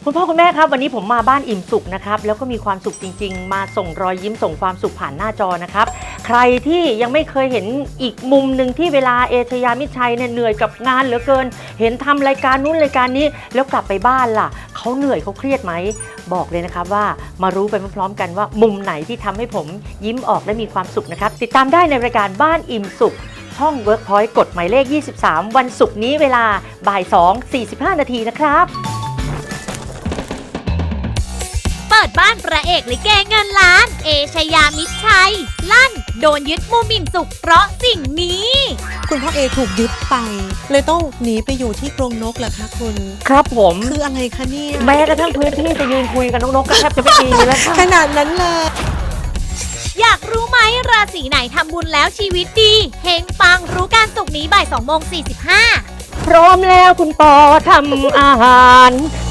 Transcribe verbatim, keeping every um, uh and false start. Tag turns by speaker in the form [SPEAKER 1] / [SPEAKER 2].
[SPEAKER 1] คุณพ่อคุณแม่ครับวันนี้ผมมาบ้านอิ่มสุขนะครับแล้วก็มีความสุขจริงๆมาส่งรอยยิ้มส่งความสุขผ่านหน้าจอนะครับใครที่ยังไม่เคยเห็นอีกมุมหนึ่งที่เวลาเอชยามิตรชัยเนี่ยเหนื่อยกับงานเหลือเกินเห็นทำรายการนู้นรายการนี้แล้วกลับไปบ้านล่ะเขาเหนื่อยเขาเครียดไหมบอกเลยนะครับว่ามารู้ไปพร้อมๆกันว่ามุมไหนที่ทำให้ผมยิ้มออกและมีความสุขนะครับติดตามได้ในรายการบ้านอิ่มสุขช่อง Workpoint กดหมายเลขยี่สิบสามวันศุกร์นี้เวลาบ่ายสองสี่สิบห้านาทีนะครับ
[SPEAKER 2] เปิดบ้านพระเอกลิเกเงินล้านเอชยามิตรชัยลั่นโดนยึดมุมอิ่มสุขเพราะสิ่งนี้
[SPEAKER 3] คุณพ่อเอถูกยึดไปเลยต้องหนีไปอยู่ที่กรงนกเหรอคะคุณ
[SPEAKER 1] ครับผม
[SPEAKER 3] คืออะไรคะเนี่ย
[SPEAKER 1] แม้กระทั่งพื้นที่จะยืนคุยกับนกๆก็แทบจะไม่มีแล้วค่ะ
[SPEAKER 3] ขนาดนั้นเลย
[SPEAKER 2] อยากรู้ไหมราศีไหนทำบุญแล้วชีวิตดีเฮงปังรู้การสุกร์นี้บ่ายสองโมงสี่สิบห้า
[SPEAKER 1] พร้อมแล้วคุณปอทำอาหาร